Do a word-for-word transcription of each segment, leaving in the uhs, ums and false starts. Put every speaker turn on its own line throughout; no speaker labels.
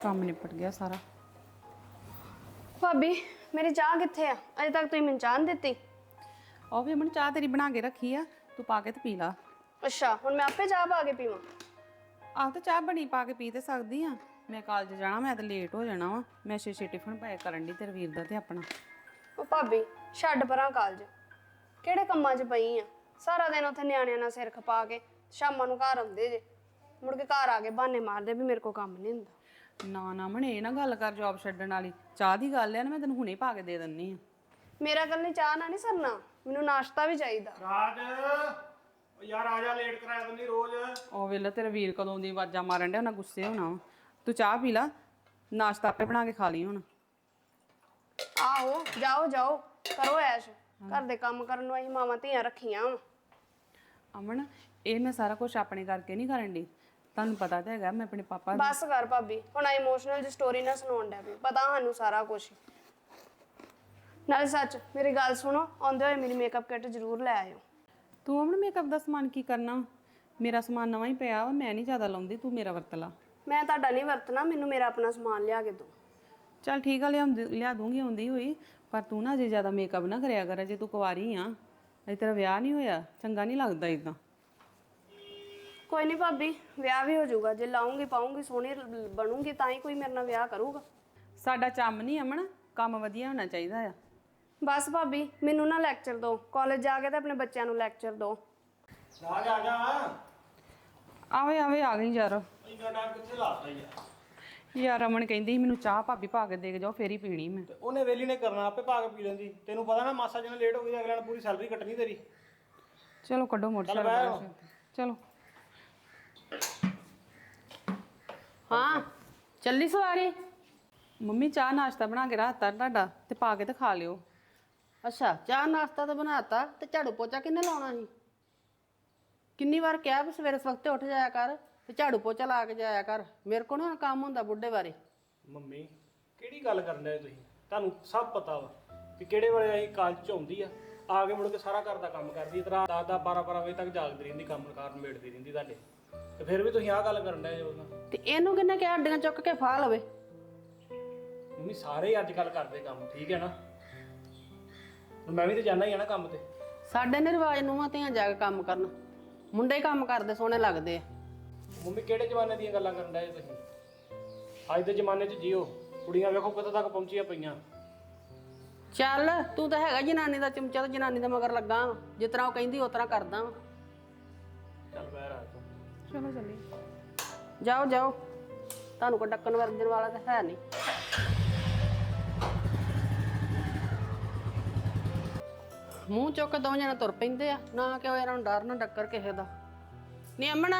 ਕੰਮ ਨਿਪਟ ਗਿਆ ਸਾਰਾ।
ਭਾਬੀ ਮੇਰੀ ਚਾਹ ਕਿੱਥੇ ਆ? ਅਜੇ ਤੱਕ ਤੁਸੀਂ ਮੈਨੂੰ ਚਾਹ ਨਹੀਂ ਦਿੱਤੀ।
ਉਹ ਵੀ ਅਮਨ ਚਾਹ ਤੇਰੀ ਬਣਾ ਕੇ ਰੱਖੀ ਆ, ਤੂੰ ਪਾ ਕੇ ਤੇ ਪੀ ਲਾ।
ਅੱਛਾ ਹੁਣ ਮੈਂ ਆਪੇ ਚਾਹ ਪਾ ਕੇ ਪੀਵਾਂ?
ਆਹ ਤੇ ਚਾਹ ਬਣੀ ਪਾ ਕੇ ਪੀ ਤੇ ਸਕਦੀ ਆ। ਮੈਂ ਕਾਲਜ ਜਾਣਾ, ਮੈਂ ਤਾਂ ਲੇਟ ਹੋ ਜਾਣਾ ਵਾ। ਮੈਂ ਛੇ ਛੇ ਟਿਫਨ ਪੈਕ ਕਰਨ ਦੀ ਤੇਰੇ ਵੀਰ ਦਾ ਤੇ ਆਪਣਾ।
ਉਹ ਭਾਬੀ ਛੱਡ ਪਰਾਂ ਕਾਲਜ, ਕਿਹੜੇ ਕੰਮਾਂ 'ਚ ਪਈ ਆ? ਸਾਰਾ ਦਿਨ ਉੱਥੇ ਨਿਆਣਿਆਂ ਨਾਲ ਸਿਰ ਖਪਾ ਕੇ ਸ਼ਾਮਾਂ ਨੂੰ ਘਰ ਆਉਂਦੇ ਜੇ, ਮੁੜ ਕੇ ਘਰ ਆ ਕੇ ਬਹਾਨੇ ਮਾਰਦੇ ਵੀ ਮੇਰੇ ਕੋਲ ਕੰਮ ਨਹੀਂ ਹੁੰਦਾ।
ਨਾ ਨਾ ਅਮਨ ਇਹ ਨਾ ਗੱਲ ਕਰ ਜੌਬ ਛੱਡਣ ਵਾਲੀ। ਚਾਹ ਦੀ ਗੱਲ ਆ ਨਾ, ਮੈਂ ਤੈਨੂੰ ਹੁਣੇ ਪਾ ਕੇ ਦੇ ਦਿੰਨੀ ਆ।
ਮੇਰਾ ਕੱਲ ਨਹੀਂ ਚਾਹ ਨਾ ਨਹੀਂ ਸਰਨਾ, ਮੈਨੂੰ ਨਾਸ਼ਤਾ ਵੀ ਚਾਹੀਦਾ।
ਰਾਜ ਓ ਯਾਰ ਆ ਜਾ, ਲੇਟ ਕਰਾਇਆ ਤੰਨੀ ਰੋਜ਼।
ਉਹ ਵੇਲੇ ਤੇਰੇ ਵੀਰ ਕਦੋਂ ਦੀ ਆਵਾਜ਼ਾਂ ਮਾਰਨ ਡਿਆ, ਉਹਨਾਂ ਗੁੱਸੇ ਹੋਣਾ ਵਾ। ਤੂੰ ਚਾਹ ਪੀ ਲਾ, ਨਾਸ਼ਤਾ ਆਪੇ ਬਣਾ ਕੇ ਖਾ ਲਈ ਹੁਣ।
ਆਹੋ ਜਾਓ ਜਾਓ ਕਰੋ ਐਸ਼, ਘਰ ਦੇ ਕੰਮ ਕਰਨ ਨੂੰ ਅਸੀਂ ਮਾਵਾਂ ਧੀਆਂ ਰੱਖੀਆਂ ਵਾ।
ਅਮਨ ਇਹ ਮੈਂ ਸਾਰਾ ਕੁਝ ਆਪਣੇ ਕਰਕੇ ਨਹੀਂ ਕਰਨ ਦੀ, ਤੁਹਾਨੂੰ ਪਤਾ ਤਾਂ ਹੈਗਾ ਮੈਂ ਆਪਣੇ ਪਾਪਾ
ਬਸ ਕਰ ਭਾਬੀ, ਹੁਣ ਆ ਇਮੋਸ਼ਨਲ ਜੀ ਸਟੋਰੀ ਨਾ ਸੁਣਾਉਣ ਡੈ ਪਈ, ਪਤਾ ਸਾਨੂੰ ਸਾਰਾ ਕੁਝ। ਨਾਲ ਸੱਚ ਮੇਰੀ ਗੱਲ ਸੁਣੋ, ਆਉਂਦੇ ਹੋਏ ਮੇਰੀ ਮੇਕਅਪ ਕਿੱਟ ਜ਼ਰੂਰ ਲੈ ਆਇਓ।
ਤੂੰ ਅਮਨ ਮੇਕਅਪ ਦਾ ਸਮਾਨ ਕੀ ਕਰਨਾ? ਮੇਰਾ ਸਮਾਨ ਨਵਾਂ ਹੀ ਪਿਆ ਵਾ, ਮੈਂ ਨਹੀਂ ਜ਼ਿਆਦਾ ਲਾਉਂਦੀ, ਤੂੰ ਮੇਰਾ ਵਰਤ ਲਾ।
ਮੈਂ ਤੁਹਾਡਾ ਨਹੀਂ ਵਰਤਣਾ, ਮੈਨੂੰ ਮੇਰਾ ਆਪਣਾ ਸਮਾਨ ਲਿਆ ਕੇ ਦਿਓ।
ਚੱਲ ਠੀਕ ਆ, ਲਿਆ ਲਿਆ ਦੂੰਗੀ ਆਉਂਦੀ ਹੋਈ। ਪਰ ਤੂੰ ਨਾ ਅਜੇ ਜ਼ਿਆਦਾ ਮੇਕਅਪ ਨਾ ਕਰਿਆ ਕਰ, ਅਜੇ ਤੂੰ ਕੁਆਰੀ ਆ, ਅਜੇ ਤੇਰਾ ਵਿਆਹ ਨਹੀਂ ਹੋਇਆ, ਚੰਗਾ ਨਹੀਂ ਲੱਗਦਾ ਇਦਾਂ।
ਕੋਈ ਨਹੀਂ ਭਾਬੀ, ਵਿਆਹ ਵੀ ਹੋ ਜਾਊਗਾ, ਜੇ ਲਾਉਂਗੀ ਪਾਉਂਗੀ ਸੋਹਣੀ ਬਣੂਗੀ ਤਾਂ ਹੀ ਕੋਈ ਮੇਰੇ ਨਾਲ ਵਿਆਹ ਕਰੂਗਾ।
ਸਾਡਾ ਚੰਮ ਨਹੀਂ ਅਮਨ, ਕੰਮ ਵਧੀਆ ਹੋਣਾ ਚਾਹੀਦਾ ਆ।
ਬਸ ਭਾਬੀ ਮੈਨੂੰ ਨਾ ਲੈਕਚਰ ਦਿਓ, ਕਾਲਜ ਜਾ ਕੇ ਤੇ ਆਪਣੇ ਬੱਚਿਆਂ ਨੂੰ ਲੈਕਚਰ ਦਿਓ।
ਰਾਜ ਆ ਜਾ।
ਆਵੇ ਆਵੇ ਆ ਗਈ ਯਾਰ।
ਇੰਨਾ ਟਾਈਮ ਕਿੱਥੇ ਲਾਤਾ ਯਾਰ?
ਯਾਰ ਅਮਨ ਕਹਿੰਦੀ ਸੀ ਮੈਨੂੰ ਚਾਹ ਭਾਬੀ ਪਾ ਕੇ ਦੇ ਕੇ ਜਾਓ, ਫੇਰ ਹੀ ਪੀਣੀ ਮੈਂ।
ਤੇ ਉਹਨੇ ਵੇਲੀ ਨੇ ਕਰਨਾ, ਆਪੇ ਪਾ ਕੇ ਪੀ ਲੈਂਦੀ। ਤੈਨੂੰ ਪਤਾ ਨਾ ਮਾਸਾ ਜਿਹਨੇ ਲੇਟ ਹੋ ਗਈ ਅਗਲੇ ਨੇ ਪੂਰੀ ਸੈਲਰੀ ਕੱਟਣੀ ਤੇਰੀ।
ਚਲੋ ਕੱਢੋ ਮੋਟਰਸਾਈਕਲ। ਚਲੋ
ਹਾਂ ਚੱਲੀ ਸਵਾਰੀ।
ਮੰਮੀ ਚਾਹ ਨਾਸ਼ਤਾ ਬਣਾ ਕੇ ਰੱਖਤਾ ਤੁਹਾਡਾ, ਤੇ ਪਾ ਕੇ ਤੇ ਖਾ ਲਿਓ।
ਅੱਛਾ ਚਾਹ ਨਾਸ਼ਤਾ ਤਾਂ ਬਣਾਤਾ, ਤੇ ਝਾੜੂ ਪੋਚਾ ਕਿੰਨੇ ਲਾਉਣਾ ਸੀ? ਕਿੰਨੀ ਵਾਰ ਕਿਹਾ ਵੀ ਸਵੇਰੇ ਸਵਖਤੇ ਉੱਠ ਜਾਇਆ ਕਰ ਤੇ ਝਾੜੂ ਪੋਚਾ ਲਾ ਕੇ ਜਾਇਆ ਕਰ। ਮੇਰੇ ਕੋਲ ਨਾ ਕੰਮ ਹੁੰਦਾ ਬੁੱਢੇ ਬਾਰੇ।
ਮੰਮੀ ਕਿਹੜੀ ਗੱਲ ਕਰਨ ਡਏ ਤੁਸੀਂ? ਤੁਹਾਨੂੰ ਸਭ ਪਤਾ ਵਾ ਕਿ ਕਿਹੜੇ ਵੇਲੇ ਅਸੀਂ ਕਾਲਜ ਚ ਆਉਂਦੀ ਆ, ਆ ਕੇ ਮੁੜ ਕੇ ਸਾਰਾ ਘਰ ਦਾ ਕੰਮ ਕਰਦੀ ਹੈ। ਤਰਾ ਦਸ ਦਸ ਬਾਰਾਂ ਬਾਰਾਂ ਵਜੇ ਤੱਕ ਜਾਗਦੀ ਰਹਿੰਦੀ, ਕੰਮ ਕਾਰ ਮੇੜਦੀ ਰਹਿੰਦੀ ਤੁਹਾਡੇ, ਤੇ ਫਿਰ ਵੀ ਤੁਸੀਂ ਆਹ ਗੱਲ ਕਰਨ ਡਏ ਹੋ।
ਤੇ ਇਹਨੂੰ ਕਿੰਨੇ ਕਿਹਾ ਅੱਡੀਆਂ ਚੁੱਕ ਕੇ ਫਾਹ ਲਵੇ?
ਮੰਮੀ ਸਾਰੇ ਅੱਜ ਕੱਲ ਕਰਦੇ ਕੰਮ, ਠੀਕ ਹੈ ਨਾ? ਮੈਂ ਵੀ ਤੇ ਜਾਣਾ ਹੀ ਆ ਨਾ ਕੰਮ ਤੇ।
ਸਾਡੇ ਨੇ ਰਿਵਾਜ ਨੂੰਹਾਂ ਧੀਆਂ ਜਾ ਕੇ ਕੰਮ ਕਰਨ, ਮੁੰਡੇ ਹੀ ਕੰਮ ਕਰਦੇ ਸੋਹਣੇ ਲੱਗਦੇ ਆ।
ਮੰਮੀ ਕਿਹੜੇ ਜ਼ਮਾਨੇ ਦੀਆਂ ਗੱਲਾਂ ਕਰਨ ਡਏ ਤੁਸੀਂ? ਅੱਜ ਦੇ ਜ਼ਮਾਨੇ 'ਚ ਜੀਓ, ਕੁੜੀਆਂ ਵੇਖੋ ਕਿੱਥੇ ਤੱਕ ਪਹੁੰਚੀਆਂ ਪਈਆਂ।
ਚੱਲ ਤੂੰ ਤਾਂ ਹੈਗਾ ਜਨਾਨੀ ਦਾ ਚਮਚਾ, ਤੇ ਜਨਾਨੀ ਦਾ ਮਗਰ ਲੱਗਾ ਵਾਂ। ਜਿਸ ਤਰ੍ਹਾਂ ਉਹ ਕਹਿੰਦੀ ਉਸ ਤਰ੍ਹਾਂ ਕਰਦਾ ਵਾਂ।
ਚੱਲ ਬਹਿ ਰਾਜ ਤੂੰ।
ਚਲੋ ਚੱਲੀ।
ਜਾਓ ਜਾਓ, ਤੁਹਾਨੂੰ ਕੋਈ ਡੱਕਣ ਵਰਜਣ ਵਾਲਾ ਤਾਂ ਹੈ ਨਹੀਂ। ਮੂੰਹ ਚੁੱਕ ਕੇ ਦੋਵੇਂ ਜਣੇ ਤੁਰ ਪੈਂਦੇ ਆ, ਨਾ ਕਿ ਇਹਨਾਂ ਨੂੰ ਡਰ ਨਾ ਡੱਕਰ ਕਿਸੇ ਦਾ। ਨੀ ਅਮਣਾ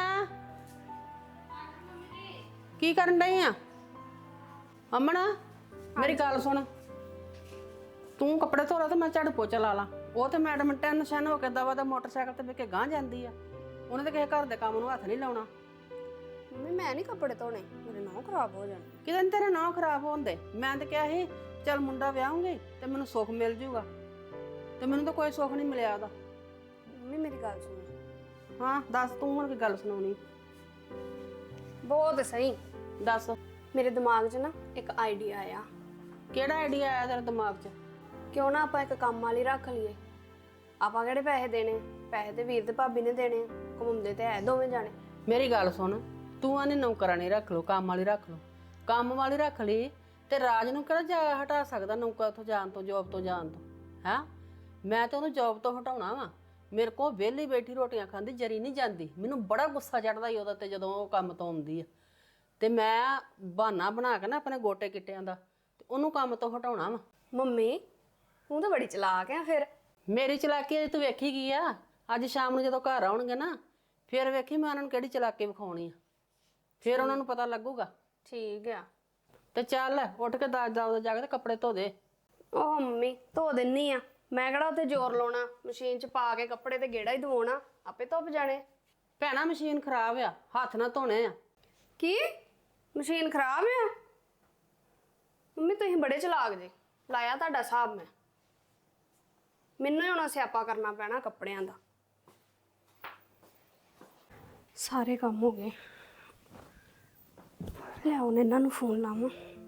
ਕੀ ਕਰਨ ਡਈ ਆ? ਅਮਣਾ ਮੇਰੀ ਗੱਲ ਸੁਣ, ਤੂੰ ਕੱਪੜੇ ਧੋ ਲਾ ਤੇ ਮੈਂ ਝਾੜੂ ਪੋਚਾ ਲਾ ਲਾ। ਉਹ ਤੇ ਮੈਡਮ ਟੈਨਸ਼ਨ ਹੋ ਕੇ ਦਵਾ ਦਾ ਮੋਟਰਸਾਈਕਲ ਤੇ ਬਹਿ ਕੇ ਗਾਂਹ ਜਾਂਦੀ ਆ, ਉਹਨੇ ਤਾਂ ਕਿਸੇ ਘਰ ਦੇ ਕੰਮ ਨੂੰ ਹੱਥ ਨਹੀਂ ਲਾਉਣਾ।
ਮੰਮੀ ਮੈਂ ਨਹੀਂ ਕੱਪੜੇ ਧੋਣੇ, ਮੇਰੇ ਨਹੁੰ ਖਰਾਬ ਹੋ ਜਾਣੇ।
ਕਿਤੇ ਤੇਰੇ ਨਹੁੰ ਖਰਾਬ ਹੁੰਦੇ। ਮੈਂ ਤਾਂ ਕਿਹਾ ਸੀ ਚੱਲ ਮੁੰਡਾ ਵਿਆਹੂੰਗੀ ਤੇ ਮੈਨੂੰ ਸੁੱਖ ਮਿਲ ਜੂਗਾ, ਤੇ ਮੈਨੂੰ ਤਾਂ ਕੋਈ ਸੁੱਖ ਨਹੀਂ ਮਿਲਿਆ ਉਹਦਾ।
ਮੰਮੀ ਮੇਰੀ ਗੱਲ ਸੁਣੋ।
ਹਾਂ ਦੱਸ, ਤੂੰ ਹੁਣ ਕੀ ਗੱਲ ਸੁਣਾਉਣੀ?
ਬਹੁਤ ਸਹੀ
ਦੱਸ
ਮੇਰੇ ਦਿਮਾਗ 'ਚ ਨਾ ਇੱਕ ਆਈਡੀਆ ਆਇਆ।
ਕਿਹੜਾ ਆਈਡੀਆ ਆਇਆ ਤੇਰੇ ਦਿਮਾਗ 'ਚ?
ਕਿਉਂ ਨਾ ਆਪਾਂ ਇੱਕ ਕੰਮ ਵਾਲੀ ਰੱਖ ਲਈਏ। ਆਪਾਂ ਕਿਹੜੇ ਪੈਸੇ ਦੇਣੇ? ਪੈਸੇ ਤੇ ਵੀਰ ਤੇ ਭਾਬੀ ਨੇ ਦੇਣੇ, ਕਮਾਉਂਦੇ ਤੇ ਹੈ ਦੋਵੇਂ ਜਾਣੇ।
ਮੇਰੀ ਗੱਲ ਸੁਣ, ਤੂੰ ਆਨੇ ਨੌਕਰਾਨੀ ਰੱਖ ਲਓ, ਕੰਮ ਵਾਲੀ ਰੱਖ ਲਓ। ਕੰਮ ਵਾਲੀ ਰੱਖ ਲਈ ਤੇ ਰਾਜ ਨੂੰ ਕਿਹੜਾ ਜਾ ਹਟਾ ਸਕਦਾ ਨੌਕਰ ਤੋਂ ਜਾਣ ਤੋਂ, ਜੋਬ ਤੋਂ ਜਾਣ ਤੋਂ? ਹੈਂ ਮੈਂ ਤਾਂ ਉਹਨੂੰ ਜੋਬ ਤੋਂ ਹਟਾਉਣਾ ਵਾ। ਮੇਰੇ ਕੋਲ ਵਿਹਲੀ ਬੈਠੀ ਰੋਟੀਆਂ ਖਾਂਦੀ ਜਰੀ ਨਹੀਂ ਜਾਂਦੀ। ਮੈਨੂੰ ਬੜਾ ਗੁੱਸਾ ਚੜਦਾ ਈ ਉਹਦਾ ਤੇ ਜਦੋਂ ਉਹ ਕੰਮ ਤੋਂ ਆਉਂਦੀ ਆ, ਤੇ ਮੈਂ ਬਹਾਨਾ ਬਣਾ ਕੇ ਨਾ ਆਪਣੇ ਗੋਟੇ ਕਿੱਟਿਆਂ ਦਾ ਤੇ ਉਹਨੂੰ ਕੰਮ ਤੋਂ ਹਟਾਉਣਾ ਵਾ।
ਮੰਮੀ ਤੂੰ ਤਾਂ ਬੜੀ ਚਲਾਕ ਆ। ਫਿਰ
ਮੇਰੀ ਚਲਾਕੀ ਅਜੇ ਤੂੰ ਵੇਖੀ ਕੀ ਆ? ਅੱਜ ਸ਼ਾਮ ਨੂੰ ਜਦੋਂ ਘਰ ਆਉਣਗੇ ਨਾ, ਫਿਰ ਵੇਖੀ ਮੈਂ ਉਹਨਾਂ ਨੂੰ ਕਿਹੜੀ ਚਲਾਕੀ ਵਿਖਾਉਣੀ ਆ, ਫਿਰ ਉਹਨਾਂ ਨੂੰ ਪਤਾ ਲੱਗੂਗਾ।
ਠੀਕ ਆ।
ਤੇ ਚੱਲ ਉੱਠ ਕੇ ਦਾਜ ਦਾ ਜਾ ਕੇ ਤੇ ਕੱਪੜੇ ਧੋ ਦੇ।
ਉਹ ਮੰਮੀ ਧੋ ਦਿੰਨੀ ਆ, ਮੈਂ ਕਿਹੜਾ ਉੱਥੇ ਜ਼ੋਰ ਲਾਉਣਾ, ਮਸ਼ੀਨ 'ਚ ਪਾ ਕੇ ਕੱਪੜੇ ਤੇ ਗੇੜਾ ਹੀ ਦਵਾਉਣਾ, ਆਪੇ ਧੁੱਪ ਜਾਣੇ।
ਭੈਣਾ ਮਸ਼ੀਨ ਖਰਾਬ ਆ, ਹੱਥ ਨਾਲ ਧੋਣੇ ਆ।
ਕੀ ਮਸ਼ੀਨ ਖਰਾਬ ਆ? ਮੰਮੀ ਤੁਸੀਂ ਬੜੇ ਚਲਾਕ ਜੇ, ਲਾਇਆ ਤੁਹਾਡਾ ਹਿਸਾਬ ਮੈਂ। ਮੈਨੂੰ ਹੀ ਹੁਣ ਸਿਆਪਾ ਕਰਨਾ ਪੈਣਾ ਕੱਪੜਿਆਂ ਦਾ। ਸਾਰੇ ਕੰਮ ਹੋ ਗਏ। ਲੈ ਹੁਣ ਇਹਨਾਂ ਨੂੰ ਫੋਨ ਲਾਵਾਂ।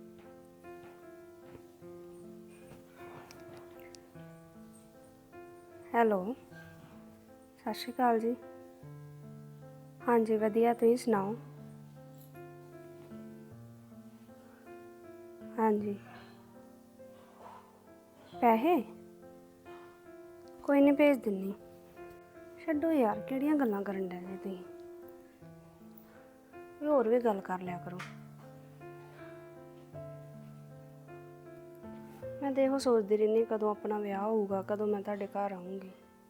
ਹੈਲੋ, ਸਤਿ ਸ਼੍ਰੀ ਅਕਾਲ ਜੀ। ਹਾਂਜੀ ਵਧੀਆ, ਤੁਸੀਂ ਸੁਣਾਓ? ਹਾਂਜੀ, ਪੈਸੇ ਕੋਈ ਨਹੀਂ ਭੇਜ ਦਿੰਨੀ। ਛੱਡੋ ਯਾਰ, ਕਿਹੜੀਆਂ ਗੱਲਾਂ ਕਰਨ ਡਏ ਜੇ ਤੁਸੀਂ? ਕੋਈ ਹੋਰ ਵੀ ਗੱਲ ਕਰ ਲਿਆ ਕਰੋ। ਮੈਂ ਤਾਂ ਇਹੋ ਸੋਚਦੀ ਰਹਿੰਦੀ ਕਦੋਂ ਆਪਣਾ ਵਿਆਹ ਹੋਊਗਾ, ਕਦੋਂ ਮੈਂ ਤੁਹਾਡੇ ਘਰ ਆਊਂਗੀ।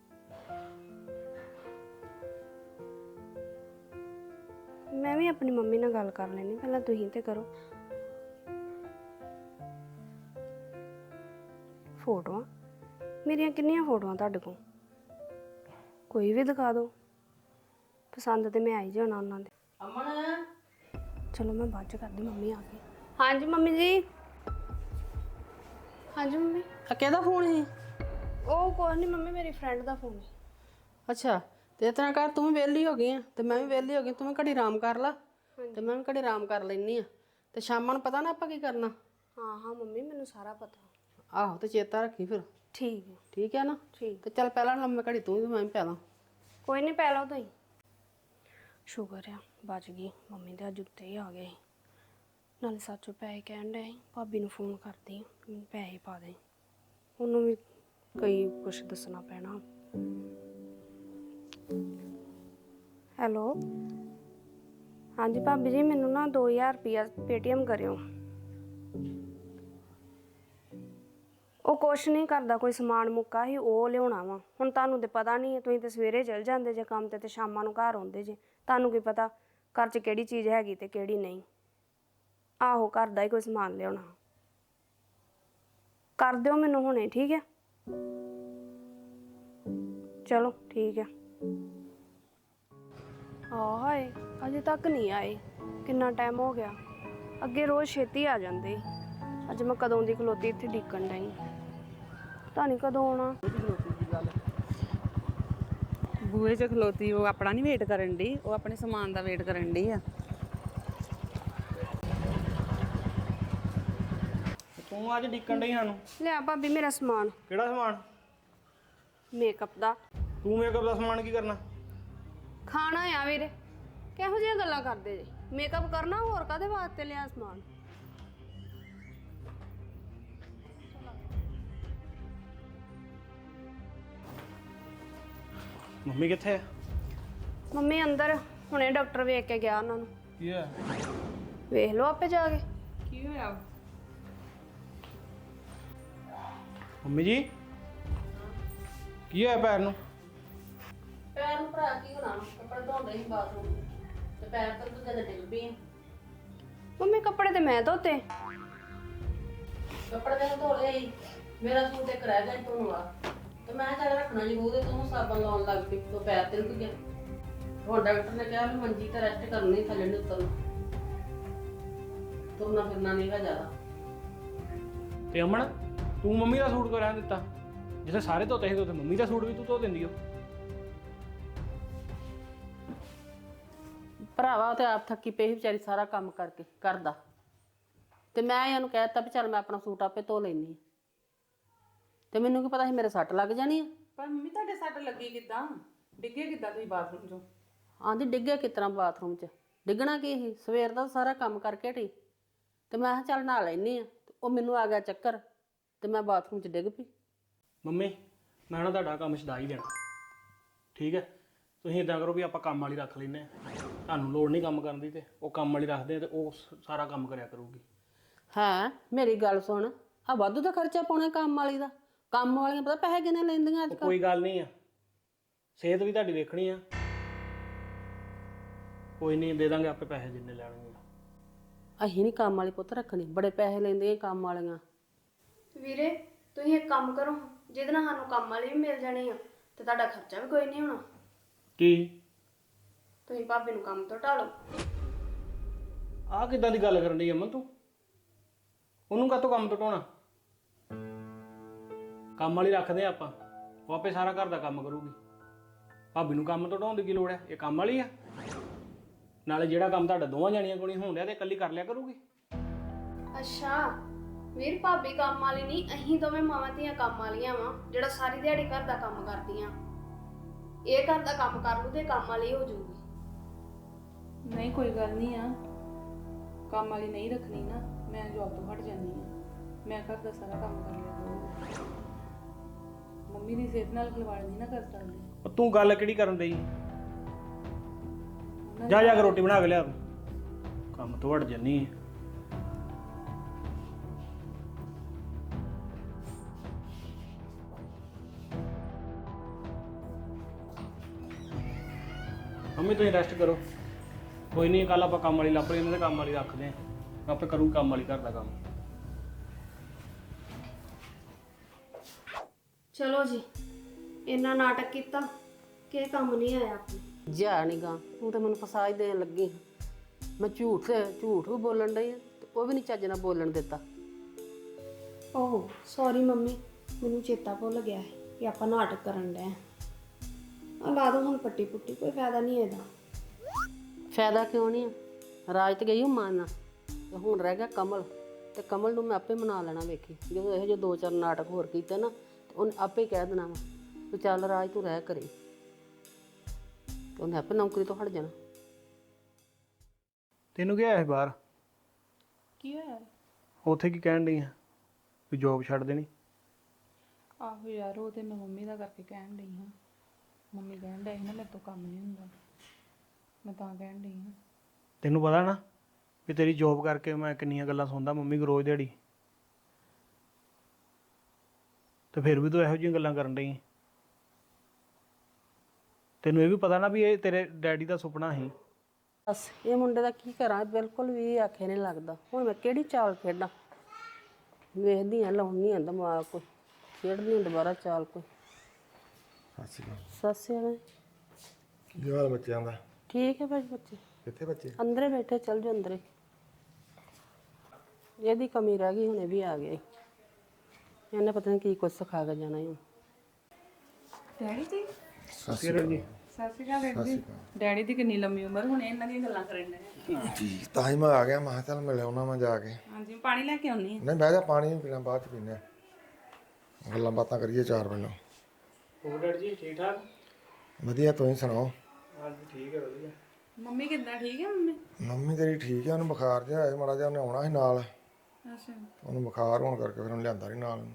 ਮੈਂ ਵੀ ਆਪਣੀ ਮੰਮੀ ਨਾਲ ਗੱਲ ਕਰ ਲੈਣੀ, ਪਹਿਲਾਂ ਤੁਸੀਂ ਤੇ ਕਰੋ। ਫੋਟੋਆਂ ਮੇਰੀਆਂ ਕਿੰਨੀਆਂ ਫੋਟੋਆਂ ਤੁਹਾਡੇ ਕੋਲ? ਕੋਈ ਵੀ ਦਿਖਾ ਦਿਓ, ਪਸੰਦ ਤੇ ਮੈਂ ਆਈ ਜਾਣਾ ਉਹਨਾਂ ਦੇ।
ਅਮਨ,
ਚਲੋ ਮੈਂ ਬਾਅਦ ਚ ਕਰਦੀ, ਮੰਮੀ ਆ ਗਈ। ਹਾਂਜੀ ਮੰਮੀ ਜੀ। ਹਾਂਜੀ ਮੰਮੀ।
ਆ ਕਿਹਦਾ ਫੋਨ ਸੀ?
ਉਹ ਕੁਛ ਨਹੀਂ ਮੰਮੀ, ਮੇਰੀ ਫਰੈਂਡ ਦਾ ਫੋਨ ਹੈ।
ਅੱਛਾ, ਤੇ ਇਸ ਤਰ੍ਹਾਂ ਕਰ, ਤੂੰ ਵੀ ਵਿਹਲੀ ਹੋ ਗਈ ਆ ਤੇ ਮੈਂ ਵੀ ਵਿਹਲੀ ਹੋ ਗਈ, ਤੂੰ ਵੀ ਘੜੀ ਆਰਾਮ ਕਰ ਲਾ ਤੇ ਮੈਂ ਵੀ ਘੜੀ ਆਰਾਮ ਕਰ ਲੈਣੀ ਆ, ਤੇ ਸ਼ਾਮਾਂ ਨੂੰ ਪਤਾ ਨਾ ਆਪਾਂ ਕੀ ਕਰਨਾ।
ਹਾਂ ਹਾਂ ਮੰਮੀ, ਮੈਨੂੰ ਸਾਰਾ ਪਤਾ।
ਆਹੋ, ਤੇ ਚੇਤਾ ਰੱਖੀ ਫਿਰ।
ਠੀਕ ਹੈ।
ਠੀਕ ਹੈ ਨਾ?
ਠੀਕ।
ਤੇ ਚੱਲ ਪਹਿਲਾਂ ਲੰਮੇ ਘੜੀ ਤੂੰ ਵੀ, ਮੈਂ ਵੀ ਪੈ ਲਾਂ।
ਕੋਈ ਨਹੀਂ, ਪੈ ਲਓ ਤੁਸੀਂ। ਸ਼ੁਕਰ ਆ ਬਚ ਗਈ, ਮੰਮੀ ਦੇ ਅੱਜ ਉੱਤੇ ਹੀ ਆ ਗਏ। ਨਾਲੇ ਸੱਚੋ ਪੈਸੇ ਕਹਿਣ ਡਏ ਸੀ, ਭਾਬੀ ਨੂੰ ਫੋਨ ਕਰਦੀ ਮੈਨੂੰ ਪੈਸੇ ਪਾ ਦੇ। ਉਹਨੂੰ ਵੀ ਕਈ ਕੁਛ ਦੱਸਣਾ ਪੈਣਾ। ਹੈਲੋ, ਹਾਂਜੀ ਭਾਬੀ ਜੀ, ਮੈਨੂੰ ਨਾ ਦੋ ਹਜ਼ਾਰ ਰੁਪਇਆ ਪੇਟੀਐਮ ਕਰਿਓ। ਉਹ ਕੁਛ ਨਹੀਂ ਕਰਦਾ, ਕੋਈ ਸਮਾਨ ਮੁੱਕਾ ਸੀ, ਉਹ ਲਿਆਉਣਾ ਵਾ। ਹੁਣ ਤੁਹਾਨੂੰ ਤੇ ਪਤਾ ਨਹੀਂ ਹੈ, ਤੁਸੀਂ ਤੇ ਸਵੇਰੇ ਚਲ ਜਾਂਦੇ ਜੇ ਕੰਮ ਤੇ ਤੇ ਸ਼ਾਮਾਂ ਨੂੰ ਘਰ ਆਉਂਦੇ ਜੇ, ਤੁਹਾਨੂੰ ਕੀ ਪਤਾ ਘਰ 'ਚ ਕਿਹੜੀ ਚੀਜ਼ ਹੈਗੀ ਤੇ ਕਿਹੜੀ ਨਹੀਂ। ਆਹੋ, ਘਰ ਦਾ ਹੀ ਕੋਈ ਸਮਾਨ ਲਿਆਉਣਾ। ਕਰ ਦਿਓ ਮੈਨੂੰ ਹੁਣੇ, ਠੀਕ ਹੈ? ਚਲੋ ਠੀਕ ਹੈ। ਹਾਂ ਹਾਏ, ਅਜੇ ਤੱਕ ਨਹੀਂ ਆਏ, ਕਿੰਨਾ ਟਾਈਮ ਹੋ ਗਿਆ। ਅੱਗੇ ਰੋਜ਼ ਛੇਤੀ ਆ ਜਾਂਦੇ, ਅੱਜ ਮੈਂ ਕਦੋਂ ਦੀ ਖਲੋਤੀ ਇੱਥੇ ਡੀਕਣ ਡਈ। ਪਤਾ ਨਹੀਂ ਕਦੋਂ ਆਉਣਾ।
ਬੂਹੇ 'ਚ ਖਲੋਤੀ ਉਹ ਆਪਣਾ ਨਹੀਂ ਵੇਟ ਕਰਨ ਡਈ, ਉਹ ਆਪਣੇ ਸਮਾਨ ਦਾ ਵੇਟ ਕਰਨ ਡਈ ਆ।
ਤੂੰ ਅੱਜ ਡਿੱਕਣ ਡਈ ਸਾਨੂੰ?
ਲਿਆ ਭਾਬੀ ਮੇਰਾ ਸਮਾਨ।
ਕਿਹੜਾ ਸਮਾਨ?
ਮੇਕਅਪ ਦਾ।
ਤੂੰ ਮੇਕਅਪ ਦਾ ਸਮਾਨ ਕੀ ਕਰਨਾ?
ਖਾਣਾ ਆ ਵੀਰੇ, ਕਿਹੋ ਜਿਹੀਆਂ ਗੱਲਾਂ ਕਰਦੇ ਜੇ? ਮੇਕਅਪ ਕਰਨਾ, ਹੋਰ ਕਾਹਦੇ ਵਾਸਤੇ ਲਿਆ ਸਮਾਨ?
ਮੰਮੀ ਕਿੱਥੇ ਆ?
ਮੰਮੀ ਅੰਦਰ, ਹੁਣੇ ਡਾਕਟਰ ਵੇਖ ਕੇ ਗਿਆ ਉਹਨਾਂ ਨੂੰ।
ਕੀ ਹੋਇਆ?
ਵੇਖ ਲਓ ਆਪੇ ਜਾ ਕੇ।
ਕੀ ਹੋਇਆ?
ਮੰਮੀ ਜੀ, ਕੀ ਹੋਇਆ ਪੈਰ ਨੂੰ?
ਪੈਰ ਨੂੰ ਭਰਾ ਕੀ ਹੋਣਾ, ਕੱਪੜੇ ਧੋਂਦੇ ਸੀ ਬਾਥਰੂਮ ਤੇ ਪੈਰ ਤੋਂ ਤੂੰ ਜਦ ਡਿੱਗ ਪਈ।
ਮੰਮੀ ਕੱਪੜੇ ਤੇ ਮੈਂ ਧੋਤੇ।
ਕੱਪੜੇ ਤੈਨੂੰ ਧੋ ਲਏ ਸੀ, ਮੇਰਾ ਸੂਟ ਇੱਕ ਰਹਿ ਗਿਆ ਧੋਣ ਵਾਲਾ, ਤੇ ਮੈਂ ਚੱਲ ਰੱਖਣਾ ਜੀ ਮੂੰਹ ਤੇ, ਤੂੰ ਸਾਬਣ ਲਾਉਣ ਲੱਗ ਪਈ, ਤੂੰ ਪੈਰ ਤਿਲਕ ਗਿਆ। ਹੁਣ ਡਾਕਟਰ ਨੇ ਕਿਹਾ ਵੀ ਮੰਜੀ ਤੇ ਰੈਸਟ ਕਰਨੀ, ਥੱਲੇ ਨੂੰ ਉਤਰਨਾ, ਤੁਰਨਾ ਫਿਰਨਾ ਨਹੀਂ ਗਾ ਜ਼ਿਆਦਾ।
ਤੇ ਅਮਨ, ਤੂੰ ਮੰਮੀ ਦਾ ਸੂਟ ਕਿਉਂ ਰਹਿਣ ਦਿੱਤਾ? ਜਿੱਥੇ ਸਾਰੇ ਧੋਤੇ ਸੀ, ਉੱਥੇ ਮੰਮੀ ਦਾ ਸੂਟ ਵੀ ਤੂੰ ਧੋ ਦਿੰਦੀ ਹੋ।
ਭਰਾਵਾ ਉਹ ਤੇ ਆਪ ਥੱਕੀ ਪਈ ਸੀ ਵਿਚਾਰੀ, ਸਾਰਾ ਕੰਮ ਕਰਕੇ ਕਰਦਾ, ਤੇ ਮੈਂ ਇਹਨੂੰ ਕਹਿ ਦਿੱਤਾ ਵੀ ਚੱਲ ਮੈਂ ਆਪਣਾ ਸੂਟ ਆਪੇ ਧੋ ਲੈਂਦੀ ਹਾਂ, ਤੇ ਮੈਨੂੰ ਕੀ ਪਤਾ ਸੀ ਮੇਰੇ ਸੱਟ ਲੱਗ ਜਾਣੀ ਆ।
ਪਰ ਮੰਮੀ ਤੁਹਾਡੇ ਸੱਟ ਲੱਗੀ ਕਿੱਦਾਂ? ਡਿੱਗੇ ਕਿੱਦਾਂ ਤੁਸੀਂ ਬਾਥਰੂਮ 'ਚੋਂ?
ਆਂਦੀ ਡਿੱਗਿਆ ਕਿਸ ਤਰ੍ਹਾਂ ਬਾਥਰੂਮ 'ਚ? ਡਿੱਗਣਾ ਕੀ ਸੀ, ਸਵੇਰ ਦਾ ਸਾਰਾ ਕੰਮ ਕਰਕੇ ਹਟੀ, ਤੇ ਮੈਂ ਕਿਹਾ ਚੱਲ ਨਹਾ ਲੈਂਦੀ ਆ, ਉਹ ਮੈਨੂੰ ਆ ਗਿਆ ਚੱਕਰ ਤੇ ਮੈਂ ਬਾਥਰੂਮ 'ਚ ਡਿੱਗ ਪਈ।
ਮੰਮੀ, ਮੈਂ ਨਾ ਤੁਹਾਡਾ ਕੰਮ ਛਡਾ ਹੀ ਦੇਣਾ, ਠੀਕ ਹੈ? ਤੁਸੀਂ ਇਦਾਂ ਕਰੋ ਵੀ ਆਪਾਂ ਕੰਮ ਵਾਲੀ ਰੱਖ ਲੈਂਦੇ ਹਾਂ, ਤੁਹਾਨੂੰ ਲੋੜ ਨਹੀਂ ਕੰਮ ਕਰਨ ਦੀ, ਤੇ ਉਹ ਕੰਮ ਵਾਲੀ ਰੱਖਦੇ ਆ ਤੇ ਉਹ ਸ- ਸਾਰਾ ਕੰਮ ਕਰਿਆ ਕਰੂਗੀ।
ਹਾਂ, ਮੇਰੀ ਗੱਲ ਸੁਣ, ਆ ਵਾਧੂ ਦਾ ਖਰਚਾ ਪਾਉਣਾ ਕੰਮ ਵਾਲੀ ਦਾ? ਕੰਮ ਵਾਲੀਆਂ ਪਤਾ ਪੈਸੇ ਕਿੰਨੇ ਲੈਂਦੀਆਂ ਅੱਜ
ਉਹ
ਕੱਲ੍ਹ।
ਕੋਈ ਗੱਲ ਨਹੀਂ ਆ, ਸਿਹਤ ਵੀ ਤੁਹਾਡੀ ਵੇਖਣੀ ਆ। ਕੋਈ ਨਹੀਂ, ਦੇ ਦਾਂਗੇ ਆਪੇ ਪੈਸੇ ਜਿੰਨੇ ਲੈਣਗੇ।
ਅਸੀਂ ਨਹੀਂ ਕੰਮ ਵਾਲੀ ਪੁੱਤ ਰੱਖਣੀ, ਬੜੇ ਪੈਸੇ ਲੈਂਦੀਆਂ ਕੰਮ ਵਾਲੀਆਂ।
ਵੀਰੇ ਤੁਸੀਂ ਇੱਕ ਕੰਮ ਕਰੋ, ਜਿਹਦੇ ਨਾਲ ਸਾਨੂੰ ਕੰਮ ਵਾਲੀ ਵੀ ਮਿਲ ਜਾਣੀ ਆ ਤੇ ਤੁਹਾਡਾ ਖਰਚਾ ਵੀ ਕੋਈ ਨਹੀਂ ਹੋਣਾ।
ਕੀ?
ਤੁਸੀਂ ਭਾਬੀ ਨੂੰ ਕੰਮ ਤੋਂ ਢਾਲੋ।
ਆਹ ਕਿੱਦਾਂ ਦੀ ਗੱਲ ਕਰਨ ਡਈ ਅਮਨ ਤੂੰ? ਉਹਨੂੰ ਕਾਹਤੋਂ ਕੰਮ ਤੋਂ ਢਾਉਣਾ? ਕੰਮ ਵਾਲੀ ਰੱਖਦੇ ਆ ਆਪਾਂ, ਉਹ ਆਪੇ ਸਾਰਾ ਘਰ ਦਾ ਕੰਮ ਕਰੂਗੀ। ਭਾਬੀ ਨੂੰ ਕੰਮ ਤੋਂ ਢਾਉਣ ਦੀ ਕੀ ਲੋੜ ਹੈ? ਇਹ ਕੰਮ ਵਾਲੀ ਆ। ਨਾਲੇ ਜਿਹੜਾ ਕੰਮ ਤੁਹਾਡਾ ਦੋਵਾਂ ਜਾਣੀਆਂ ਕੋਲ ਨਹੀਂ ਹੋਣ ਡਿਆ ਤੇ ਇਕੱਲੀ ਕਰ ਲਿਆ ਕਰੂਗੀ।
ਅੱਛਾ ਵੀਰ, ਭਾਬੀ ਕੰਮ ਵਾਲੀ ਨਹੀਂ, ਅਸੀਂ ਦੋਵੇਂ ਮਾਵਾਂ ਧੀਆਂ ਕੰਮ ਵਾਲੀਆਂ ਵਾਂ ਜਿਹੜਾ ਸਾਰੀ ਦਿਹਾੜੀ ਘਰ ਦਾ ਕੰਮ ਕਰਦੀਆਂ। ਇਹ ਘਰ ਦਾ ਕੰਮ ਕਰ ਲੂ ਤੇ ਕੰਮ ਵਾਲੀ ਹੋ ਜਾਊਗੀ।
ਨਹੀਂ ਕੋਈ ਗੱਲ ਨਹੀਂ ਆ, ਕੰਮ ਵਾਲੀ ਨਹੀਂ ਰੱਖਣੀ ਨਾ, ਮੈਂ ਜੌਬ ਤੋਂ ਹਟ ਜਾਂਦੀ ਆ, ਮੈਂ ਘਰ ਦਾ ਸਾਰਾ ਕੰਮ ਕਰ ਲਿਆ ਕਰੂੰਗੀ। ਮੰਮੀ ਦੀ ਸਿਹਤ ਨਾਲ ਖਿਲਵਾੜ ਨਹੀਂ ਨਾ ਕਰ ਸਕਦੀ।
ਉਹ ਤੂੰ ਗੱਲ ਕਿਹੜੀ ਕਰਨ ਡਈ? ਜਾ ਜਾ ਕੇ ਰੋਟੀ ਬਣਾ ਕੇ ਲਿਆ, ਕੰਮ ਤੋਂ ਹਟ ਜੰਨੀ ਹੈ। ਮੰਮੀ ਤੁਸੀਂ ਰੈਸਟ ਕਰੋ, ਕੋਈ ਨਹੀਂ, ਕੱਲ ਆਪਾਂ ਕੰਮ ਵਾਲੀ ਲੱਭ ਲਈ, ਇਹਨਾਂ ਦੇ ਕੰਮ ਵਾਲੀ ਰੱਖਦੇ ਆ, ਆਪੇ ਕਰੂੰ ਕੰਮ ਵਾਲੀ ਘਰ ਦਾ ਕੰਮ।
ਚਲੋ ਜੀ, ਇੰਨਾ ਨਾਟਕ ਕੀਤਾ ਕਿ ਇਹ ਕੰਮ ਨਹੀਂ ਆਇਆ ਆਪਣੇ।
ਜਾ ਨੀ ਗਾ, ਤੂੰ ਤਾਂ ਮੈਨੂੰ ਫਸਾ ਹੀ ਦੇਣ ਲੱਗੀ। ਮੈਂ ਝੂਠ ਤੇ ਝੂਠ ਵੀ ਬੋਲਣ ਡਈ ਆ ਤੇ ਉਹ ਵੀ ਨਹੀਂ ਚੱਜ ਨਾਲ ਬੋਲਣ ਦਿੱਤਾ।
ਓਹ ਸੌਰੀ ਮੰਮੀ, ਮੈਨੂੰ ਚੇਤਾ ਭੁੱਲ ਗਿਆ ਹੈ ਕਿ ਆਪਾਂ ਨਾਟਕ ਕਰਨ ਡਏ ਆ। ਲਾ ਦੋ ਹੁਣ ਪੱਟੀ ਪੁੱਟੀ, ਕੋਈ ਫਾਇਦਾ ਨਹੀਂ ਇਹਦਾ।
ਫਾਇਦਾ ਕਿਉਂ ਨਹੀਂ ਆ? ਰਾਜ ਤੇ ਗਈ ਉਹ ਮਾਨ ਤੇ ਹੁਣ ਰਹਿ ਗਿਆ ਕਮਲ, ਤੇ ਕਮਲ ਨੂੰ ਮੈਂ ਆਪੇ ਮਨਾ ਲੈਣਾ। ਵੇਖੀ ਜਦੋਂ ਇਹੋ ਜਿਹੇ ਦੋ ਚਾਰ ਨਾਟਕ ਹੋਰ ਕੀਤੇ ਨਾ ਤੇ ਉਹਨੇ ਆਪੇ ਹੀ ਕਹਿ ਦੇਣਾ ਵਾ ਤੂੰ ਚੱਲ ਰਾਜ ਤੂੰ ਰਹਿ ਕਰੇ, ਤੇ ਉਹਨੇ ਆਪੇ ਨੌਕਰੀ ਤੋਂ ਹਟ ਜਾਣਾ।
ਤੈਨੂੰ ਕੀ ਆਇਆ ਬਾਹਰ?
ਕੀ ਹੋਇਆ?
ਉੱਥੇ ਕੀ ਕਹਿਣ ਡਈ ਆ ਵੀ ਜੋਬ ਛੱਡ ਦੇਣੀ?
ਆਹੋ ਯਾਰ, ਉਹ ਤੇ ਮੈਂ ਮੰਮੀ ਦਾ ਕਰਕੇ ਕਹਿਣ ਡਈ ਹਾਂ। ਮੰਮੀ ਕਹਿਣ ਡਈ ਸੀ ਨਾ ਮੇਰੇ ਤੋਂ ਕੰਮ ਨਹੀਂ ਹੁੰਦਾ, ਮੈਂ ਤਾਂ ਕਹਿਣ ਡਈ ਹਾਂ।
ਤੈਨੂੰ ਪਤਾ ਨਾ ਵੀ ਤੇਰੀ ਜੋਬ ਕਰਕੇ ਮੈਂ ਕਿੰਨੀਆਂ ਗੱਲਾਂ ਸੁਣਦਾ ਮੰਮੀ ਕੋਲ ਰੋਜ਼ ਦਿਹਾੜੀ, ਤੇ ਫਿਰ ਵੀ ਤੂੰ ਇਹੋ ਜਿਹੀਆਂ ਗੱਲਾਂ ਕਰਨ ਡਈ। ਤੈਨੂੰ ਇਹ ਵੀ ਪਤਾ ਨਾ ਵੀ ਇਹ ਤੇਰੇ ਡੈਡੀ ਦਾ ਸੁਪਨਾ ਸੀ।
ਬਸ ਇਹ ਮੁੰਡੇ ਦਾ ਕੀ ਕਰਾਂ, ਬਿਲਕੁਲ ਵੀ ਆਖੇ ਨਹੀਂ ਲੱਗਦਾ। ਹੁਣ ਮੈਂ ਕਿਹੜੀ ਚਾਲ ਖੇਡਾਂ? ਵੇਖਦੀ ਹਾਂ, ਲਾਉਣੀ ਆ ਦਿਮਾਗ, ਕੋਈ ਖੇਡਦੀ ਹਾਂ ਦੁਬਾਰਾ ਚਾਲ ਕੋਈ। ਸਤਿ ਸ਼੍ਰੀ ਅਕਾਲ।
ਕੀ ਹਾਲ ਬੱਚਿਆਂ ਦਾ?
ਠੀਕ ਹੈ ਭਾਈ, ਬੱਚੇ
ਕਿੱਥੇ ਬੱਚੇ?
ਅੰਦਰੇ ਬੈਠੇ, ਚੱਲ ਜਾਓ ਅੰਦਰੇ। ਇਹਦੀ ਕਮੀ ਰਹਿ ਗਈ, ਹੁਣੇ ਵੀ ਆ ਗਿਆ। ਇਹਨੇ ਪਤਾ ਨਹੀਂ ਕੀ ਕੁਝ ਸਿਖਾ ਕੇ ਜਾਣਾ ਹੁਣ।
ਡੈਡੀ ਜੀ
ਸਤਿ ਸ਼੍ਰੀ ਅਕਾਲ ਜੀ।
ਸਤਿ ਸ਼੍ਰੀ ਅਕਾਲ ਡੈਡੀ ਜੀ। ਡੈਡੀ ਦੀ ਕਿੰਨੀ ਲੰਮੀ ਉਮਰ, ਹੁਣ ਇਹਨਾਂ ਦੀਆਂ ਗੱਲਾਂ ਕਰਨ ਡਏ ਆ।
ਜੀ ਤਾਂ ਹੀ ਮੈਂ ਆ ਗਿਆ, ਮੈਂ ਕਿਹਾ ਚੱਲ ਮਿਲ ਆਉਣਾ ਮੈਂ ਜਾ ਕੇ।
ਹਾਂਜੀ, ਪਾਣੀ ਲੈ ਕੇ ਆਉਣੀ ਆ।
ਨਹੀਂ ਬਹਿ ਜਾ, ਪਾਣੀ ਨਹੀਂ ਪੀਣਾ, ਬਾਅਦ ਚ ਪੀਨੇ ਆ, ਗੱਲਾਂ ਬਾਤਾਂ ਕਰੀਏ ਚਾਰ ਪਹਿਲਾਂ।
ਹੋਰ ਡੈਡੀ ਜੀ ਠੀਕ ਠਾਕ?
ਵਧੀਆ, ਤੁਸੀਂ ਸੁਣਾਓ?
ਹਾਂਜੀ ਠੀਕ ਹੈ, ਵਧੀਆ।
ਮੰਮੀ ਕਿੱਦਾਂ, ਠੀਕ ਹੈ ਮੰਮੀ?
ਮੰਮੀ ਤੇਰੀ ਠੀਕ ਆ, ਉਹਨੂੰ ਬੁਖਾਰ ਜਿਹਾ ਆਇਆ ਮਾੜਾ ਜਿਹਾ, ਉਹਨੇ ਆਉਣਾ ਸੀ ਨਾਲ,
ਅੱਛਾ।
ਉਹਨੂੰ ਬੁਖਾਰ ਹੋਣ ਕਰਕੇ ਫਿਰ ਉਹਨੂੰ ਲਿਆਂਦਾ ਨਹੀਂ ਨਾਲ।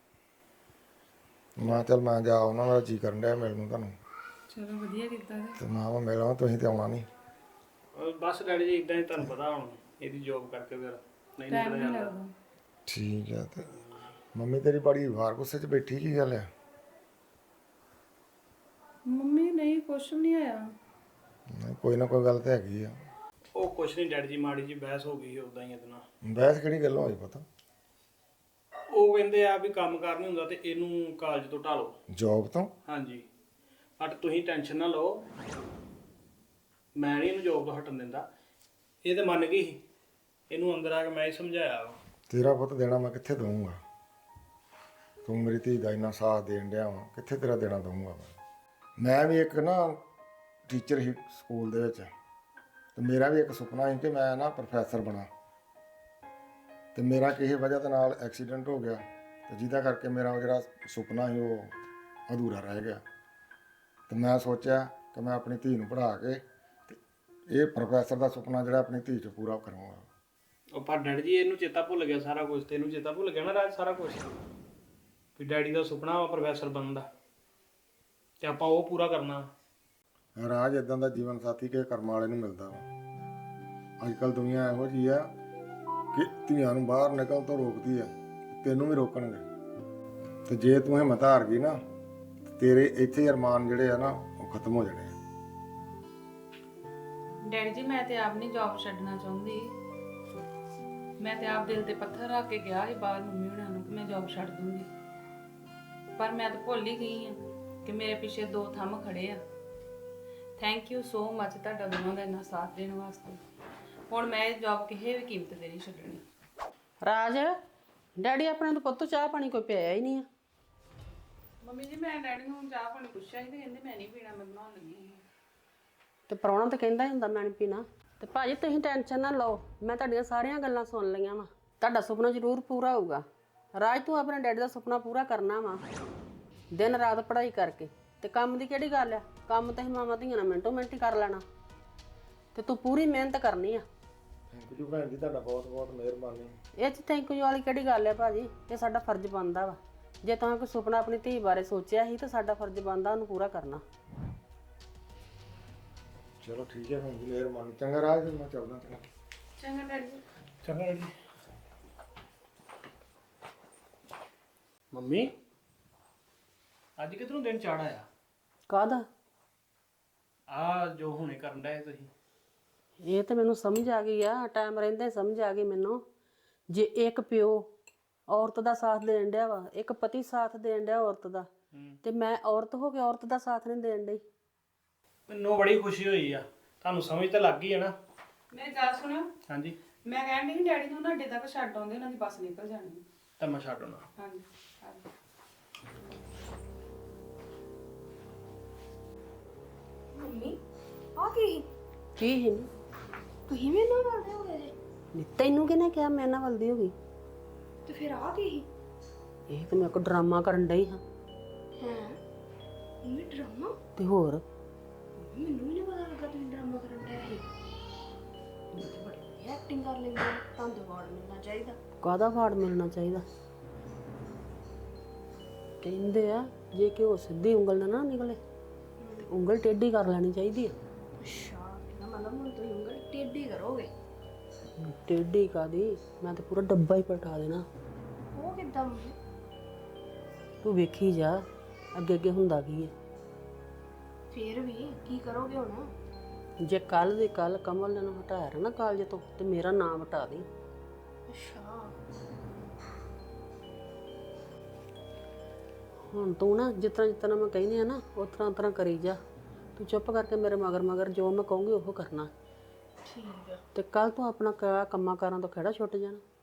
ਮੈਂ ਕਿਹਾ ਚੱਲ ਮੈਂ ਜਾ, ਉਹਨਾਂ ਦਾ ਜੀ ਕਰਨ ਡਿਆ ਮਿਲਣ ਨੂੰ ਤੁਹਾਨੂੰ,
ਚਲੋ ਵਧੀਆ ਕੀਤਾ ਜੀ।
ਤੇ ਮੈਂ ਕਿਹਾ ਮਿਲ ਆਵਾਂ, ਤੁਸੀਂ ਤੇ ਆਉਣਾ ਨਹੀਂ।
ਬਸ ਡੈਡੀ ਜੀ ਇਦਾਂ ਹੀ, ਤੁਹਾਨੂੰ ਪਤਾ ਹੁਣ ਇਹਦੀ ਜੋਬ ਕਰਕੇ ਫਿਰ ਨਹੀਂ
ਟਾਈਮ
ਨਿਕਲਿਆ
ਨਹੀਂ
ਜਾਂਦਾ।
ਲੱਗਦਾ।
ਠੀਕ ਹੈ। ਤੇ ਮੰਮੀ ਤੇਰੀ ਬੜੀ ਵਾਰ ਗੁੱਸੇ 'ਚ ਬੈਠੀ, ਕੀ ਗੱਲ ਆ?
ਮੰਮੀ ਨਹੀਂ, ਕੁਛ ਵੀ ਨਹੀਂ ਆਇਆ।
ਨਹੀਂ, ਕੋਈ ਨਾ ਕੋਈ ਗੱਲ ਤੇ ਹੈਗੀ ਆ।
ਉਹ ਕੁਛ ਨਹੀਂ ਡੈਡੀ ਜੀ, ਮਾੜੀ ਜੀ ਬਹਿਸ ਹੋ ਗਈ ਉਦਾਂ ਹੀ ਇਹਦੇ ਨਾਲ।
ਬਹਿਸ ਕਿਹੜੀ ਗੱਲੋਂ ਹੋਈ ਪਤਾ?
ਉਹ ਕਹਿੰਦੇ ਆ ਵੀ ਕੰਮ ਕਾਰ ਨਹੀਂ ਹੁੰਦਾ ਤੇ ਇਹਨੂੰ ਕਾਲਜ ਤੋਂ ਢਾਲੋ।
ਜੋਬ ਤੋਂ?
ਹਾਂਜੀ, ਬਟ ਤੁਸੀਂ ਟੈਨਸ਼ਨ ਨਾ ਲਓ, ਮੈਂ ਨਹੀਂ ਇਹਨੂੰ ਜੋਬ ਤੋਂ ਹਟਣ ਦਿੰਦਾ। ਇਹ ਤੇ ਮੰਨ ਗਈ ਸੀ, ਇਹਨੂੰ ਅੰਦਰ ਆ ਕੇ ਮੈਂ ਹੀ ਸਮਝਾਇਆ ਵਾ।
ਤੇਰਾ ਪੁੱਤ ਦੇਣਾ ਮੈਂ ਕਿੱਥੇ ਦਊਂਗਾ? ਤੂੰ ਮੇਰੀ ਧੀ ਦਾ ਇੰਨਾ ਸਾਥ ਦੇਣ ਡਿਆ ਵਾ, ਕਿੱਥੇ ਤੇਰਾ ਦੇਣਾ ਦਊਂਗਾ ਮੈਂ? ਮੈਂ ਵੀ ਇੱਕ ਨਾ ਟੀਚਰ ਸੀ ਸਕੂਲ ਦੇ ਵਿੱਚ, ਤੇ ਮੇਰਾ ਵੀ ਇੱਕ ਸੁਪਨਾ ਸੀ ਕਿ ਮੈਂ ਨਾ ਪ੍ਰੋਫੈਸਰ ਬਣਾ, ਤੇ ਮੇਰਾ ਕਿਸੇ ਵਜ੍ਹਾ ਦੇ ਨਾਲ ਐਕਸੀਡੈਂਟ ਹੋ ਗਿਆ, ਤੇ ਜਿਹਦਾ ਕਰਕੇ ਮੇਰਾ ਜਿਹੜਾ ਸੁਪਨਾ ਸੀ ਉਹ ਅਧੂਰਾ ਰਹਿ ਗਿਆ। ਤੇ ਮੈਂ ਸੋਚਿਆ ਕਿ ਮੈਂ ਆਪਣੀ ਧੀ ਨੂੰ ਪੜ੍ਹਾ ਕੇ ਤੇ ਇਹ ਪ੍ਰੋਫੈਸਰ ਦਾ ਸੁਪਨਾ ਜਿਹੜਾ ਆਪਣੀ ਧੀ 'ਚ ਪੂਰਾ ਕਰਾਂਗਾ।
ਉਹ ਪਰ ਡੈਡੀ ਜੀ ਇਹਨੂੰ ਚੇਤਾ ਭੁੱਲ ਗਿਆ ਸਾਰਾ ਕੁਝ, ਤੈਨੂੰ ਚੇਤਾ ਭੁੱਲ ਗਿਆ ਨਾ ਰਾਜ ਸਾਰਾ ਕੁਝ, ਵੀ ਡੈਡੀ ਦਾ ਸੁਪਨਾ ਵਾ ਪ੍ਰੋਫੈਸਰ ਬਣਨ ਦਾ, ਤੇ ਆਪਾਂ ਉਹ ਪੂਰਾ ਕਰਨਾ।
ਰਾਜ ਇਦਾਂ ਦਾ ਜੀਵਨ ਸਾਥੀ ਕਿਸੇ ਕਰਮ ਵਾਲੇ ਨੂੰ ਮਿਲਦਾ ਵਾ। ਅੱਜ ਕੱਲ੍ਹ ਦੁਨੀਆ ਇਹੋ ਜਿਹੀ ਆ ਕਿ ਧੀਆਂ ਨੂੰ ਬਾਹਰ ਨਿਕਲਣ ਤੋਂ ਰੋਕਦੀ ਆ, ਤੈਨੂੰ ਵੀ ਰੋਕਣਗੇ। ਤੇ ਜੇ ਤੂੰ ਹਿੰਮਤ ਹਾਰ ਗਈ ਨਾ, ਤੇਰੇ ਇੱਥੇ ਅਰਮਾਨ ਜਿਹੜੇ ਆ ਨਾ ਉਹ ਖਤਮ ਹੋ ਜਾਣੇ ਆ।
ਡੈਡੀ ਜੀ ਮੈਂ ਤੇ ਆਪ ਨਹੀਂ ਜੌਬ ਛੱਡਣਾ ਚਾਹੁੰਦੀ, ਮੈਂ ਤੇ ਆਪ ਦਿਲ ਤੇ ਪੱਥਰ ਰੱਖ ਕੇ ਗਿਆ ਸੀ ਬਾਹਰ ਮੰਮੀ ਹੁਣਾਂ ਨੂੰ ਕਿ ਮੈਂ ਜੌਬ ਛੱਡ ਦੂੰਗੀ, ਪਰ ਮੈਂ ਤਾਂ ਭੁੱਲ ਹੀ ਗਈ ਹਾਂ ਕਿ ਮੇਰੇ ਪਿੱਛੇ ਦੋ ਥੰਮ ਖੜੇ ਆ। ਥੈਂਕ ਯੂ ਸੋ ਮਚ ਤੁਹਾਡਾ ਦੋਵਾਂ ਦਾ ਇੰਨਾ ਸਾਥ ਦੇਣ ਵਾਸਤੇ। ਹੁਣ ਮੈਂ ਇਹ ਜੌਬ ਕਿਸੇ ਵੀ ਕੀਮਤ ਤੇ ਨਹੀਂ ਛੱਡਣੀ।
ਰਾਜ, ਡੈਡੀ ਆਪਣੇ ਨੂੰ ਪੁੱਤ ਚਾਹ ਪਾਣੀ ਕੋਈ ਪਿਆਇਆ ਹੀ ਨਹੀਂ ਆ।
ਮੰਮੀ ਜੀ ਮੈਂ ਡੈਡੀ ਨੂੰ ਚਾਹ ਪਾਣੀ ਪੁੱਛਿਆ ਸੀ ਤੇ ਕਹਿੰਦੇ ਮੈਂ ਨਹੀਂ ਪੀਣਾ, ਮੈਂ ਬਣਾਉਣ ਲੱਗੀ ਹਾਂ।
ਤੇ ਪ੍ਰਾਹੁਣਾ ਤਾਂ ਕਹਿੰਦਾ ਹੀ ਹੁੰਦਾ ਮੈਂ ਨਹੀਂ ਪੀਣਾ। ਤੇ ਭਾਜੀ ਤੁਸੀਂ ਟੈਨਸ਼ਨ ਨਾ ਲਓ, ਮੈਂ ਤੁਹਾਡੀਆਂ ਸਾਰੀਆਂ ਗੱਲਾਂ ਸੁਣ ਲਈਆਂ ਵਾ। ਤੁਹਾਡਾ ਸੁਪਨਾ ਜ਼ਰੂਰ ਪੂਰਾ ਹੋਊਗਾ। ਰਾਜ ਤੂੰ ਆਪਣੇ ਡੈਡੀ ਦਾ ਸੁਪਨਾ ਪੂਰਾ ਕਰਨਾ ਵਾ, ਦਿਨ ਰਾਤ ਪੜ੍ਹਾਈ ਕਰਕੇ। ਤੇ ਕੰਮ ਦੀ ਕਿਹੜੀ ਗੱਲ ਆ, ਕੰਮ ਤਾਂ ਹੀ ਮਾਵਾਂ ਧੀਆਂ ਨਾਲ ਮਿੰਟੋ ਮਿੰਟ ਹੀ ਕਰ ਲੈਣਾ। ਤੇ ਤੂੰ ਪੂਰੀ ਮਿਹਨਤ ਕਰਨੀ ਆ।
ਥੈਂਕ ਯੂ ਭੈਣ ਜੀ, ਤੁਹਾਡਾ ਬਹੁਤ ਬਹੁਤ ਮਿਹਰਬਾਨੀ।
ਇਹ 'ਚ ਥੈਂਕ ਯੂ ਵਾਲੀ ਕਿਹੜੀ ਗੱਲ ਆ ਭਾਜੀ, ਇਹ ਸਾਡਾ ਫਰਜ਼ ਬਣਦਾ ਵਾ। ਜੇ ਤੁਸੀਂ ਕੋਈ ਸੁਪਨਾ ਆਪਣੀ ਧੀ ਬਾਰੇ ਸੋਚਿਆ ਸੀ ਤਾਂ ਸਾਡਾ ਫਰਜ਼ ਬਣਦਾ ਉਹਨੂੰ ਪੂਰਾ ਕਰਨਾ।
ਚਲੋ ਠੀਕ ਹੈ ਭੈਣ ਜੀ, ਮਿਹਰਬਾਨੀ। ਚੰਗਾ ਰਾਜ, ਫਿਰ ਮੈਂ ਚੱਲਦਾ। ਚੰਗਾ
ਚੰਗਾ ਡੈਡੀ ਜੀ।
ਚੰਗਾ ਜੀ। ਮੰਮੀ ਅੱਜ ਕਿਧਰੋਂ ਦਿਨ ਚੜ ਆਇਆ?
ਕਾਹਦਾ?
ਆ ਜੋ ਹੁਣੇ ਕਰਨ ਡਏ ਤੁਸੀਂ।
ਇਹ ਤਾਂ ਮੈਨੂੰ ਸਮਝ ਆ ਗਈ ਆ, ਟਾਈਮ ਰਹਿੰਦੇ ਸਮਝ ਆ ਗਈ ਮੈਨੂੰ। ਜੇ ਇੱਕ ਪਿਓ ਔਰਤ ਦਾ ਸਾਥ ਦੇਣ ਡਿਆ ਵਾ, ਇੱਕ ਪਤੀ ਸਾਥ ਦੇਣ ਡਿਆ ਔਰਤ ਦਾ, ਤੇ ਮੈਂ ਔਰਤ ਹੋ ਕੇ ਔਰਤ ਦਾ ਸਾਥ ਨਹੀਂ ਦੇਣ ਡਈ।
ਮੈਨੂੰ ਬੜੀ ਖੁਸ਼ੀ ਹੋਈ ਆ, ਤੁਹਾਨੂੰ ਸਮਝ ਤਾਂ ਲੱਗ ਗਈ ਹੈ ਨਾ।
ਮੇਰੀ ਗੱਲ ਸੁਣਿਓ,
ਹਾਂਜੀ,
ਮੈਂ ਕਹਿਣ ਡਈ ਸੀ ਡੈਡੀ ਨੂੰ ਨਾ ਅੱਡੇ ਤੱਕ ਛੱਡ ਆਉਂਦੇ, ਉਹਨਾਂ ਦੀ ਬੱਸ ਨਿਕਲ ਜਾਣੀ।
ਤਾਂ ਮੈਂ ਛੱਡ ਆਉਣਾ।
ਹਾਂਜੀ ਹਾਂਜੀ।
ਮੰਮੀ ਆ ਕੀ
ਕੀ ਹੀ
ਤੁਸੀਂ ਵੀ ਨਾ ਕਰਦੇ ਹੋਗੇ ਜੇ?
ਨਹੀਂ, ਤੈਨੂੰ ਕਿਹਨੇ ਕਿਹਾ ਮੈਂ ਨਾ ਵਲਦੀ ਹੋ ਗਈ?
ਤੇ ਫਿਰ ਆ ਕੀ
ਇਹ ਤਾਂ ਮੈਂ ਕੋ ਡਰਾਮਾ ਕਰਨ ਡਈ ਹਾਂ।
ਹੈ ਮੰਮੀ ਡਰਾਮਾ?
ਤੇ ਹੋਰ
ਮੈਨੂੰ ਵੀ ਨਹੀਂ ਪਤਾ ਲੱਗਾ ਤੁਸੀਂ ਡਰਾਮਾ ਕਰਨ ਡਏ ਸੀ। ਤੁਸੀਂ ਤਾਂ ਬੜੀ ਐਕਟਿੰਗ ਕਰ ਲੈਂਦੇ ਹੋ, ਤੁਹਾਨੂੰ ਤਾਂ ਅਵਾਰਡ ਮਿਲਣਾ ਚਾਹੀਦਾ।
ਕਾਹਦਾ ਫਾੜ ਮਿਲਣਾ ਚਾਹੀਦਾ? ਕਹਿੰਦੇ ਆ ਜੇ ਕਿ ਉਹ ਸਿੱਧੀ ਉਂਗਲ ਨਾਲ ਨਾ ਨਿਕਲੇ ਤੇ ਉਂਗਲ ਟੇਢੀ ਕਰ ਲੈਣੀ ਚਾਹੀਦੀ ਆ।
ਅੱਛਾ, ਇਹਦਾ ਮਤਲਬ ਹੁਣ ਤੁਸੀਂ ਉਂਗਲ ਟੇਢੀ ਕਰੋਗੇ।
ਟੇਢੀ ਕਾਦੀ, ਮੈਂ ਤਾਂ ਪੂਰਾ ਡੱਬਾ ਹੀ ਪਲਟਾ ਦੇਣਾ।
ਉਹ ਕਿੱਦਾਂ ਮੰਮੀ?
ਤੂੰ ਵੇਖੀ ਜਾ ਅੱਗੇ ਅੱਗੇ ਹੁੰਦਾ ਕੀ ਹੈ।
ਫੇਰ ਵੀ ਕੀ ਕਰੋਗੇ ਹੁਣ?
ਜੇ ਕੱਲ ਦੀ ਕੱਲ ਕਮਲ ਨੇ ਨੂੰ ਹਟਾਇਆ ਨਾ ਕਾਲਜ ਤੋਂ ਤੇ ਮੇਰਾ ਨਾਮ ਹਟਾ ਦੇ।
ਅੱਛਾ,
ਹੁਣ ਤੂੰ ਨਾ ਜਿਸ ਤਰ੍ਹਾਂ ਜਿਸ ਤਰ੍ਹਾਂ ਮੈਂ ਕਹਿੰਦੀ ਆ ਨਾ ਉਸ ਤਰ੍ਹਾਂ ਤਰ੍ਹਾਂ ਕਰੀ ਜਾ। ਤੂੰ ਚੁੱਪ ਕਰਕੇ ਮੇਰੇ ਮਗਰ ਮਗਰ ਜੋ ਮੈਂ ਕਹੂੰਗੀ ਉਹ ਕਰਨਾ।
ਠੀਕ ਆ।
ਤੇ ਕੱਲ ਤੂੰ ਆਪਣਾ ਕ- ਕੰਮਾਂ ਕਾਰਾਂ ਤੋਂ ਖੜਾ ਛੁੱਟ ਜਾਣਾ।